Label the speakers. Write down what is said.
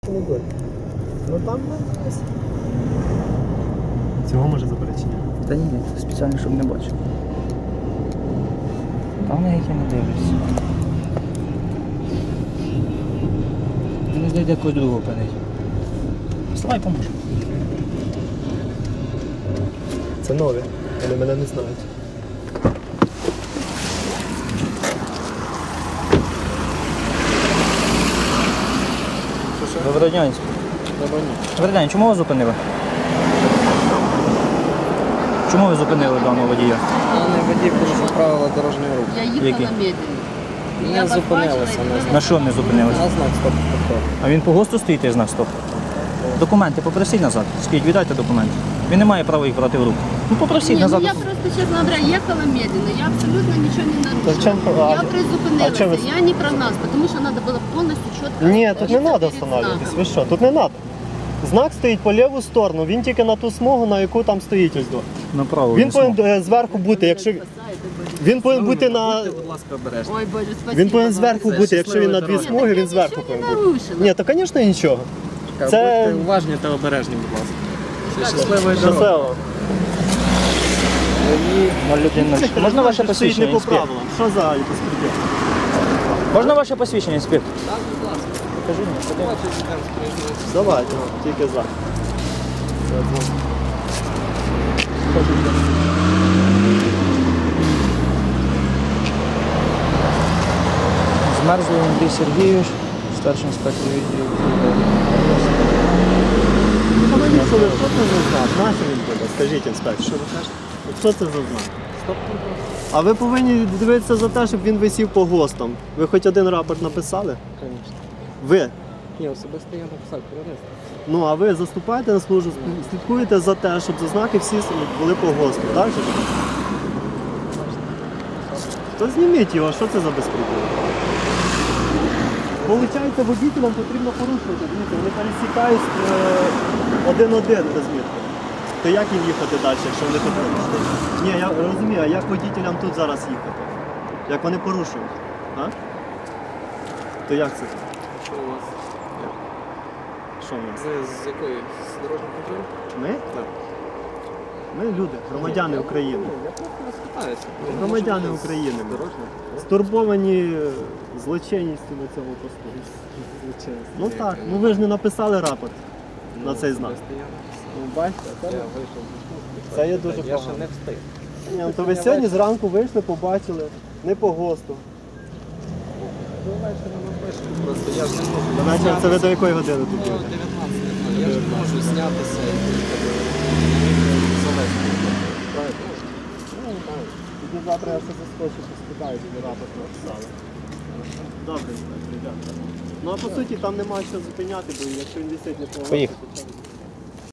Speaker 1: чи не буде? Ну там не. Цього може заперечення?
Speaker 2: Та ні, спеціально, щоб не бачив. Та вони які не дивляться. Не знайде когось другого пенить. Слай поможе.
Speaker 1: Це нові, вони мене не знають.
Speaker 2: Доброго дня, інспектор. Добрий день, чому ви зупинили? Чому ви зупинили даного водія?
Speaker 3: Даний водій порушив правила дорожнього руху.
Speaker 4: Я їхала
Speaker 2: Які?
Speaker 4: медленно.
Speaker 3: Не зупинилися.
Speaker 2: На що не зупинилися?
Speaker 3: На знак стоп-контроль.
Speaker 2: А він по ГОСТу стоїть і знак стоп. Документи попросіть назад. Скажіть, віддайте документи. Він не має права їх брати в руку. Ну попросіть
Speaker 4: Не,
Speaker 2: назад.
Speaker 4: ну я просто, честно говоря, ехала медленно, я абсолютно ничего не нарушила. Я призупинилася, я не прогналась, потому что надо было полностью четко...
Speaker 1: Ні, тут не
Speaker 4: перед
Speaker 1: треба встановлюватись.
Speaker 4: знаком.
Speaker 1: Ви що, тут не треба. Знак стоїть по ліву сторону, він тільки на ту смугу, на яку там стоїть ось до.
Speaker 2: Направо.
Speaker 1: Він повинен зверху бути, якщо він повинен бути на.
Speaker 3: Будьте, будь ласка, обережні.
Speaker 4: Ой, Боже, спасибо.
Speaker 1: Він повинен зверху бути, якщо він на дві смуги, він зверху повинен бути. Ні, то звісно нічого. Це-
Speaker 3: Будьте уважні та обережні, будь ласка. Все, щасливої дороги.
Speaker 1: Щасливо.
Speaker 2: Можна ваше
Speaker 1: Стоїть
Speaker 2: посвідчення,
Speaker 1: не по
Speaker 2: інспектор?
Speaker 1: правилам. Що за безпреділ?
Speaker 2: Можна ваше посвідчення, інспектор?
Speaker 3: Так, будь ласка.
Speaker 2: Покажи мені.
Speaker 3: Бачу, йдемо з проїзної.
Speaker 1: Давайте, тільки за.
Speaker 2: Змерзлий Андрій Сергійович, старший інспектор відділу.
Speaker 1: Що це за знак? Нащо він буде? Скажіть, інспектор.
Speaker 3: Що ви кажете?
Speaker 1: Що це за знак?
Speaker 3: Стоп-контроль.
Speaker 1: А ви повинні дивитися за те, щоб він висів по ГОСТам. Ви хоч один рапорт написали?
Speaker 3: Звісно.
Speaker 1: Ви.
Speaker 3: Ні, особисто я написав перенести.
Speaker 1: Ну, а ви заступаєте на службу, слідкуєте за те, щоб знаки всі були по ГОСТу, так же? То зніміть його, що це за безпреділ? Получається, водителям потрібно порушувати. Дивіться, вони пересікають один-один розмітку. То як їм їхати далі, якщо вони тут порушують? Ні, я розумію, а як водителям тут зараз їхати? Як вони порушують? А? То як це?
Speaker 3: Що у вас?
Speaker 1: Що в нас?
Speaker 3: З якої? З дорожнього контролю?
Speaker 1: Ми?
Speaker 3: Так.
Speaker 1: Ми люди, громадяни України.
Speaker 3: Я просто вас питаюся.
Speaker 1: Громадяни України.
Speaker 3: Дорожнього?
Speaker 1: Стурбовані злочинністю на цьому посту.
Speaker 3: Звичайно.
Speaker 1: Ну так, ну ви ж не написали рапорт на цей знак. Ну, бачите,
Speaker 3: Я
Speaker 1: це,
Speaker 3: вийшов зі служби.
Speaker 1: Це є дуже
Speaker 3: Я ще
Speaker 1: погано.
Speaker 3: не встиг.
Speaker 1: Ні, ну, то ви сьогодні зранку вийшли, побачили, не по ГОСТу.
Speaker 3: До вечора напишемо. Просто я ж не можу.
Speaker 1: Вечір, це ви до якої години тут
Speaker 3: Ну,
Speaker 1: будете?
Speaker 3: 19. Я ж не можу знятися і завести.
Speaker 1: Тоді завтра я все заскочу, поспитаю, щоб рапорт написали. Добре, дякую. Ну а по суті там немає що зупиняти, бо якщо він висить не по ГОСТу,
Speaker 2: Поїхали.
Speaker 1: то це